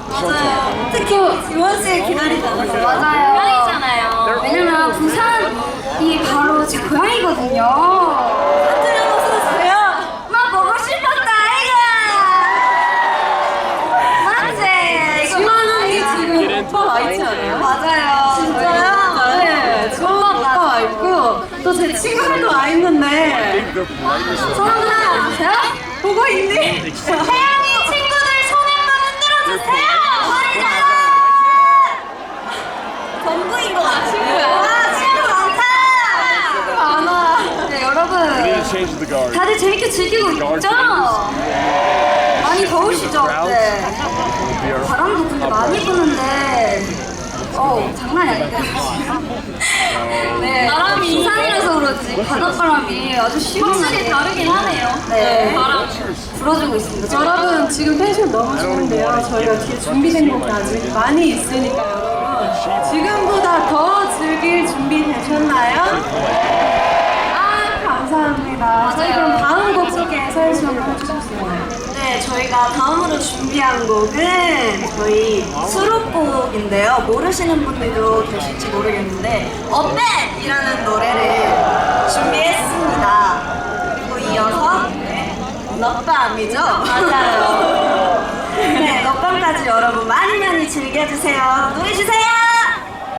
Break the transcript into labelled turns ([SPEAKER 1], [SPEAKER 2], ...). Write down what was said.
[SPEAKER 1] 맞아요. 특히 지원 씨 기다리잖아요.
[SPEAKER 2] 맞아요.
[SPEAKER 3] 고양이잖아요.
[SPEAKER 2] 왜냐면 부산이 바로 제 고향이거든요.
[SPEAKER 1] 한준영 선수세요?
[SPEAKER 2] 나 보고 싶었다 이거. 맞지?
[SPEAKER 1] 지원 언니 지금 오빠 와 있지 않아요?
[SPEAKER 2] 맞아요.
[SPEAKER 1] 진짜요? 네, 지원 오빠 와 있고 또 제 친구들도 와 있는데
[SPEAKER 2] 사람들 보세요.
[SPEAKER 1] 보고 있니?
[SPEAKER 2] 태양이 친구들 손 한번 흔들어주세요.
[SPEAKER 1] 전부인 것 같아. 친구 많다. 친구 많아.
[SPEAKER 2] 네, 여러분 다들 재밌게 즐기고 있죠? 많이 더우시죠? 네. 바람도 근데 많이 부는데 장난이 아닌데. 네,
[SPEAKER 3] 바람이.
[SPEAKER 2] 부산이라서 그런지 바닷바람이 아주 시원하게
[SPEAKER 3] 확실히 다르긴 하네요.
[SPEAKER 2] 네,
[SPEAKER 3] 바람.
[SPEAKER 2] 불어주고 있습니다.
[SPEAKER 1] 여러분 지금 텐션 너무 좋은데요. 저희가 뒤에 준비된 곡이 아직 많이 있으니까 여러분 지금보다 더 즐길 준비 되셨나요? 아 감사합니다. 저희 그럼 다음 곡 소개 서현 씨 한번 해주셨어요.
[SPEAKER 4] 네, 저희가 다음으로 준비한 곡은 저희 수록곡인데요. 모르시는 분들도 계실지 모르겠는데 어벤이라는 노래를 준비했습니다. 그리고 이어서 넛밤이죠? 맞아요. 네, 넛밤까지 여러분 많이 많이 즐겨주세요. 노래 주세요!